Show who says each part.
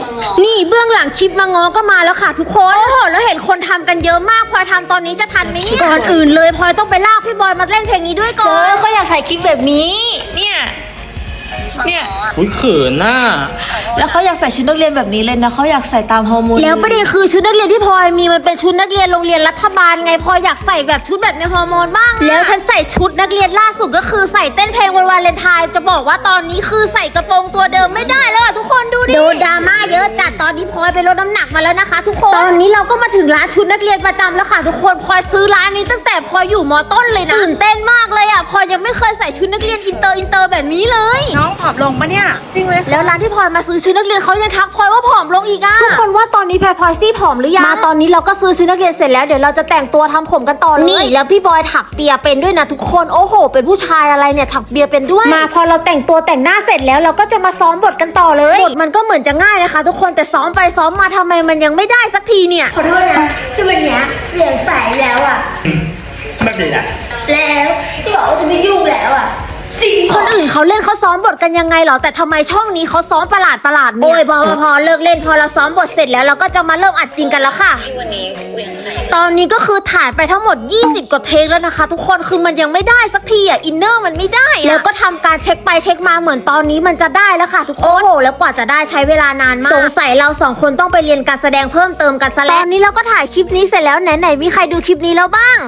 Speaker 1: นี่เบื้องหลังคลิปมางอก็มาแล้วค่ะทุกคนโอ้โหแล้วเห็นคนทำกันเยอะมากพลอยทำตอนนี้จะทันไหมเนี่ยก่อนอื่นเลยพลอยต้องไปลากพี่บอยมาเล่นเพลงนี้ด้วยก่อน
Speaker 2: ก็อยากถ่ายคลิปแบบนี้เนี่ย
Speaker 3: อุ้ยเขินน่ะ
Speaker 2: แล้วเขาอยากใส่ชุดนักเรียนแบบนี้เลยนะเขาอยากใส่ตามฮอร์โมน
Speaker 1: แล้วประเด็นคือชุดนักเรียนที่พลอยมีมันเป็นชุดนักเรียนโรงเรียนรัฐบาลไงพลอยอยากใส่แบบชุดแบบในฮอร์โมนบ้างแล้วฉันใส่ชุดนักเรียนล่าสุดก็คือใส่เต้นเพลงวันวาเลนไทน์จะบอกว่าตอนนี้คือใส่กระโปรงตัวเดิมไม่ได้แล้วทุกคนดูดิโดนดราม่าเยอะจัดตอนนี้พลอยไปลดน้ำหนักมาแล้วนะคะทุกคนตอนนี้เราก็มาถึงร้านชุดนักเรียนประจำแล้วค่ะทุกคนพลอยซื้อร้านนี้ตั้งแต่พลอยอยู่ม.ต้นเลยนะตื่นเต้นมากเลยอ่ะพลอยยังไม่เคยใส่ชุดนักเรียนอินเตอร์แบบนี้เลย
Speaker 2: น้องผอมลงปะเนี่ยจริงไหม
Speaker 1: แล้วร้านที่พลอยมาซื้อชุดนักเรียนเขายังทักพลอยว่าผอมลงอีกอ่ะทุกคนว่าตอนนี้พลอยซี่ผอมหรือยังมาตอนนี้เราก็ซื้อชุดนักเรียนเสร็จแล้วเดี๋ยวเราจะแต่งตัวทำผมกันต่อเลยนี่แล้วพี่บอยถักเปียเป็นด้วยนะทุกคนโอ้โหเป็นผู้ชายอะไรเนี่ยถักเปียเป็นด้วยมาพอเราแต่งตัวแต่งหน้าเสร็จแล้วเราก็จะมาซ้อมบทกันต่อเลยบทมันก็เหมือนจะง่ายนะคะทุกคนแต่ซ้อมไปซ้อมมาทำไมมันยังไม่ได้สักทีเนี่ย
Speaker 4: ขอโทษนะที่วันนี้เปลี่ยนสายแล้วอ่ะ
Speaker 3: ไม่เป็นไร
Speaker 4: แล้วที่บอกว่าจะไม่ยุ่งแล้วอ่ะจริง
Speaker 1: คนอื่นเขาเล่นเขาซ้อมบทกันยังไงเหรอแต่ทำไมช่องนี้เขาซ้อมประหลาดเนี่ยโอ้ยพอเลิกเล่นพอเราซ้อมบทเสร็จแล้วเราก็จะมาเริ่มอัดจริงกันแล้วค่ะตอนนี้ก็คือถ่ายไปทั้งหมด20กว่าเทคแล้วนะคะทุกคนคือมันยังไม่ได้สักทีอ่ะอินเนอร์มันไม่ได้แล้วก็ทำการเช็คไปเช็คมาเหมือนตอนนี้มันจะได้แล้วค่ะทุกคนโอ้โหแล้วกว่าจะได้ใช้เวลานานมากสงสัยเรา2คนต้องไปเรียนการแสดงเพิ่มเติมกันซะแล้วตอนนี้เราก็ถ่ายคลิปนี้เสร็จแล้วไหนมีใครดูคลิปนี้แล้วบ้าง